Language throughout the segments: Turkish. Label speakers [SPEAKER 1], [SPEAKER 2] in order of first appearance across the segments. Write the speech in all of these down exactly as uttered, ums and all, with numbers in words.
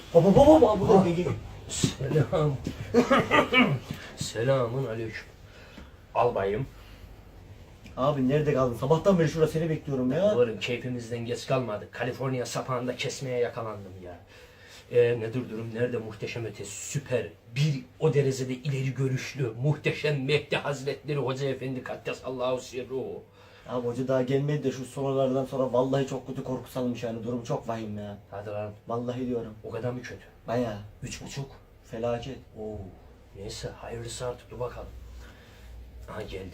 [SPEAKER 1] Baba baba baba baba.
[SPEAKER 2] Selam. Selamun aleyküm. Albayım.
[SPEAKER 1] Abi nerede kaldın? Sabahtan beri şurada seni bekliyorum ya.
[SPEAKER 2] Varın keyfimizden geç kalmadık. Kaliforniya sapağında kesmeye yakalandım ya. Ee, nedir durum? Nerede muhteşem ötesi? Süper. Bir o derecede ileri görüşlü, muhteşem Mehdi Hazretleri Hoca Efendi Kaddesallahu sirruhu.
[SPEAKER 1] Abi hoca daha gelmedi de şu sorulardan sonra vallahi çok kötü korku salmış yani. Durum çok vahim ya.
[SPEAKER 2] Hadi lan.
[SPEAKER 1] Vallahi diyorum.
[SPEAKER 2] O kadar mı kötü?
[SPEAKER 1] Bayağı.
[SPEAKER 2] Üç buçuk.
[SPEAKER 1] Felaket.
[SPEAKER 2] Oo. Neyse hayırlısı artık dur bakalım. Aha geldi.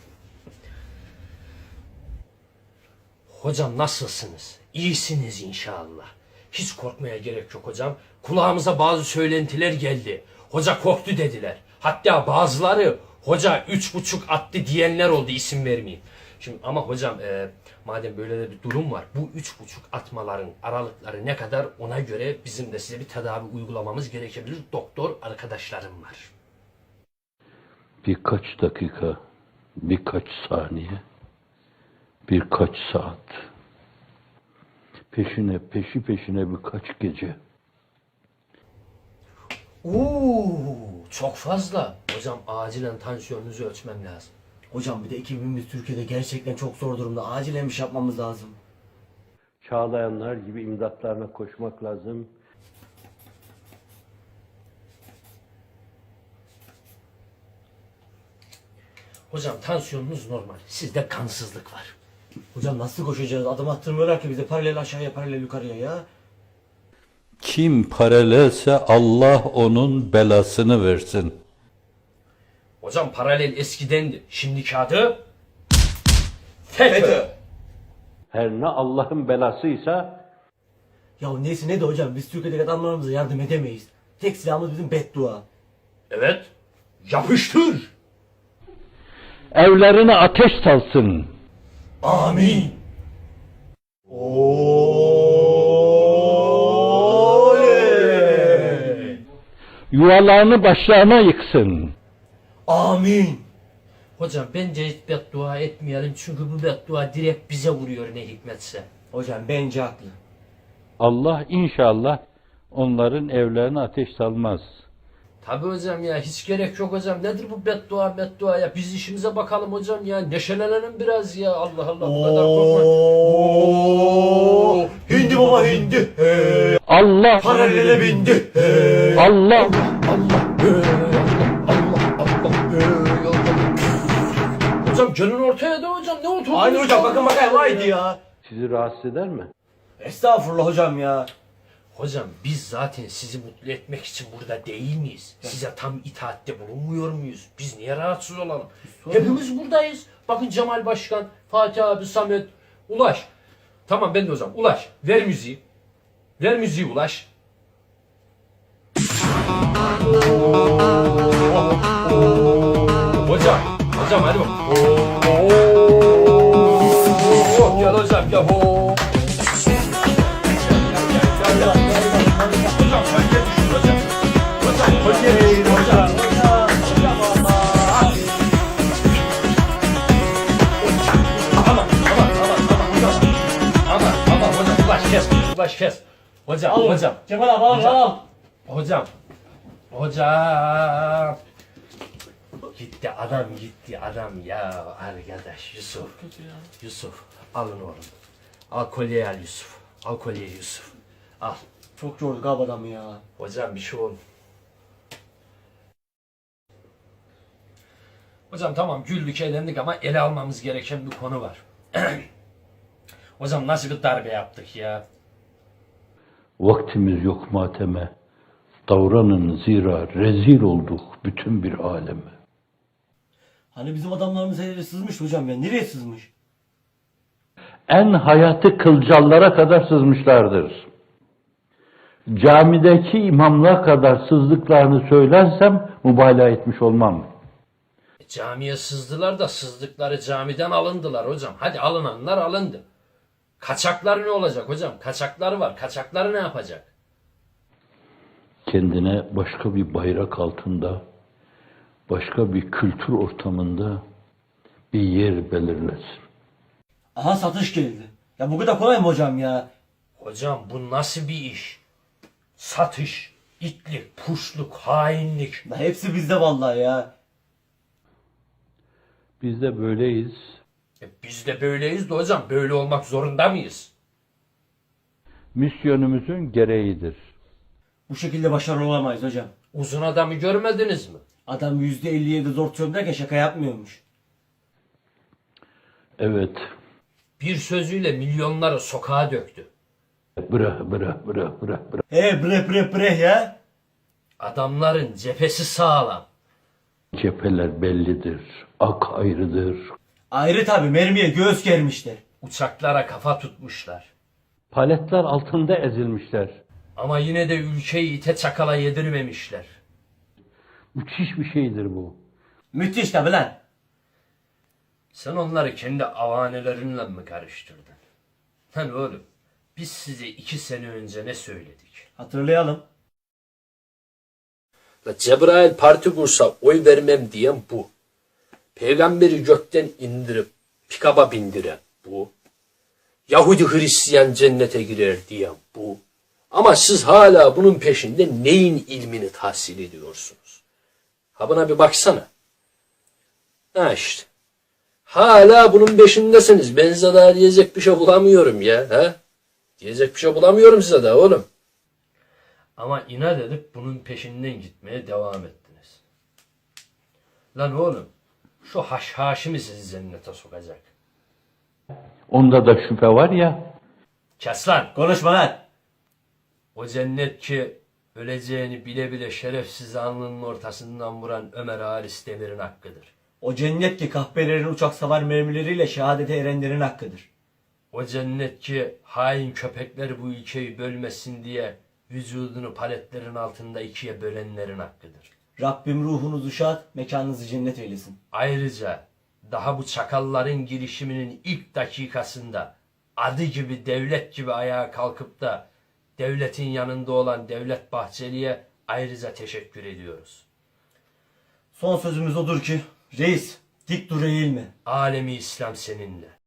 [SPEAKER 2] Hocam nasılsınız? İyisiniz inşallah. Hiç korkmaya gerek yok hocam. Kulağımıza bazı söylentiler geldi. Hoca korktu dediler. Hatta bazıları hoca üç buçuk attı diyenler oldu, isim vermeyeyim. Şimdi ama hocam e, madem böyle de bir durum var, bu üç buçuk atmaların aralıkları ne kadar, ona göre bizim de size bir tedavi uygulamamız gerekebilir. Doktor arkadaşlarım var.
[SPEAKER 3] Birkaç dakika, birkaç saniye, birkaç saat. Peşine, peşi peşine birkaç gece.
[SPEAKER 2] Oo, çok fazla. Hocam acilen tansiyonunuzu ölçmem lazım.
[SPEAKER 1] Hocam bir de ekibimiz Türkiye'de gerçekten çok zor durumda. Acilen bir şey yapmamız lazım.
[SPEAKER 3] Çağlayanlar gibi imdatlarına koşmak lazım.
[SPEAKER 2] Hocam tansiyonunuz normal. Sizde kansızlık var.
[SPEAKER 1] Hocam nasıl koşacağız? Adım attırmıyorlar ki bize, paralel aşağıya paralel yukarıya ya.
[SPEAKER 3] Kim paralelse Allah onun belasını versin.
[SPEAKER 2] Hocam paralel eskidendi. Şimdiki adı FETÖ.
[SPEAKER 3] Her ne Allah'ın belasıysa
[SPEAKER 1] Ya neyse ne de hocam, biz Türkiye'deki adamlarımıza yardım edemeyiz. Tek silahımız bizim beddua.
[SPEAKER 2] Evet. Yapıştır.
[SPEAKER 3] evlerine ateş salsın.
[SPEAKER 1] Amin.
[SPEAKER 3] Yuvalarını başlarına yıksın.
[SPEAKER 1] Amin.
[SPEAKER 2] Hocam bence hiç beddua etmeyelim. Çünkü bu beddua direkt bize vuruyor ne hikmetse.
[SPEAKER 1] Hocam bence haklı.
[SPEAKER 3] Allah inşallah onların evlerine ateş salmaz.
[SPEAKER 2] Tabi hocam ya, hiç gerek yok hocam. Nedir bu beddua beddua ya? Biz işimize bakalım hocam ya. Neşelenelim biraz ya. Allah Allah, bu kadar korkma.
[SPEAKER 1] Oo, hindi baba hindi. Hey.
[SPEAKER 3] Allah
[SPEAKER 1] Paralele bindi. Hey.
[SPEAKER 3] Allah
[SPEAKER 2] Hocam gelin ortaya da hocam. Ne oldu?
[SPEAKER 1] Aynı hocam, bakın bakayım haydi ya.
[SPEAKER 3] sizi rahatsız eder mi?
[SPEAKER 1] Estağfurullah hocam ya.
[SPEAKER 2] Hocam biz zaten sizi mutlu etmek için burada değil miyiz? Size tam itaatte bulunmuyor muyuz? Biz niye rahatsız olalım? Hepimiz buradayız. Bakın Cemal Başkan, Fatih abi, Samet, Ulaş. Tamam ben de hocam. Ulaş ver müziği. Ver müziği Ulaş. Hocam, hocam hadi bak. Gel hocam gel. Hocam kolye düşün hocam. Hocam kolye düşün hocam. Aman aman aman aman hocam. Aman aman hocam, ulaş kes. Ulaş kes. Hocam
[SPEAKER 1] Al
[SPEAKER 2] hocam.
[SPEAKER 1] Cemal abi al
[SPEAKER 2] Hocam.
[SPEAKER 1] al.
[SPEAKER 2] Hocam. Hocam. Gitti adam, gitti adam ya arkadaş Yusuf. Yusuf alın oğlum. Al kolyeyi al Yusuf. Al kolyeyi Yusuf. Al.
[SPEAKER 1] Çok yorduk abi adamı ya.
[SPEAKER 2] Hocam bir şey oldu. Hocam tamam güldük eğlendik ama ele almamız gereken bir konu var. Hocam nasıl bir darbe yaptık ya?
[SPEAKER 3] Vaktimiz yok mateme. Davranın zira rezil olduk bütün bir aleme.
[SPEAKER 1] Hani bizim adamlarımız her yere sızmış hocam ya. Nereye sızmış?
[SPEAKER 3] En hayatı kılcallara kadar sızmışlardır. Camideki imamlığa kadar sızdıklarını söylersem mübalağa etmiş olmam.
[SPEAKER 2] E, camiye sızdılar da sızdıkları camiden alındılar hocam. Hadi alınanlar alındı. Kaçaklar ne olacak hocam? Kaçakları var. Kaçakları ne yapacak?
[SPEAKER 3] Kendine başka bir bayrak altında, başka bir kültür ortamında bir yer belirlesin.
[SPEAKER 1] Aha satış geldi. Ya bu kadar kolay mı hocam ya?
[SPEAKER 2] Hocam bu nasıl bir iş? Satış, itlik, puşluk, hainlik.
[SPEAKER 1] La hepsi bizde vallahi ya.
[SPEAKER 3] Biz de böyleyiz.
[SPEAKER 2] E biz de böyleyiz de hocam, böyle olmak zorunda mıyız?
[SPEAKER 3] Misyonumuzun gereğidir.
[SPEAKER 1] Bu şekilde başarılı olamayız hocam.
[SPEAKER 2] Uzun adamı görmediniz mi?
[SPEAKER 1] Adam yüzde elli yedi zor tutuyorum derken şaka yapmıyormuş.
[SPEAKER 3] Evet.
[SPEAKER 2] Bir sözüyle milyonları sokağa döktü.
[SPEAKER 3] Bıra bıra bıra bıra bıra.
[SPEAKER 1] He bre bre bre ya.
[SPEAKER 2] Adamların cephesi sağlam.
[SPEAKER 3] Cepheler bellidir. Ak ayrıdır.
[SPEAKER 1] Ayrı tabi mermiye göğüs germişler.
[SPEAKER 2] Uçaklara kafa tutmuşlar.
[SPEAKER 3] Paletler altında ezilmişler.
[SPEAKER 2] Ama yine de ülkeyi ite çakala yedirmemişler.
[SPEAKER 3] Müthiş bir şeydir bu.
[SPEAKER 1] Müthiş tabi lan.
[SPEAKER 2] Sen onları kendi avanelerinle mi karıştırdın? Lan oğlum, biz size iki sene önce ne söyledik?
[SPEAKER 1] Hatırlayalım.
[SPEAKER 2] La Cebrail parti kursa oy vermem diyen bu. Peygamberi gökten indirip pikaba bindiren bu. Yahudi Hristiyan cennete girer diyen bu. Ama siz hala bunun peşinde neyin ilmini tahsil ediyorsunuz? Ha buna bir baksana. Ha işte. Hala bunun peşindesiniz. Ben size daha diyecek bir şey bulamıyorum ya. Ha? Diyecek bir şey bulamıyorum size daha oğlum. Ama inat edip bunun peşinden gitmeye devam ettiniz. Lan oğlum, şu haşhaşi mi sizi cennete sokacak?
[SPEAKER 3] Onda da şüphe var ya.
[SPEAKER 2] Kes lan!
[SPEAKER 1] Konuşma lan.
[SPEAKER 2] O cennet ki öleceğini bile bile şerefsiz alnının ortasından vuran Ömer Halis Demir'in hakkıdır.
[SPEAKER 1] O cennet ki kahpelerin uçak savar mermileriyle şehadete erenlerin hakkıdır.
[SPEAKER 2] O cennet ki hain köpekler bu ülkeyi bölmesin diye vücudunu paletlerin altında ikiye bölenlerin hakkıdır.
[SPEAKER 1] Rabbim ruhunuzu şad, mekanınızı cennet eylesin.
[SPEAKER 2] Ayrıca daha bu çakalların girişiminin ilk dakikasında adı gibi devlet gibi ayağa kalkıp da devletin yanında olan Devlet Bahçeli'ye ayrıca teşekkür ediyoruz.
[SPEAKER 1] Son sözümüz odur ki, reis dik dur eğilme.
[SPEAKER 2] Alemi İslam seninle.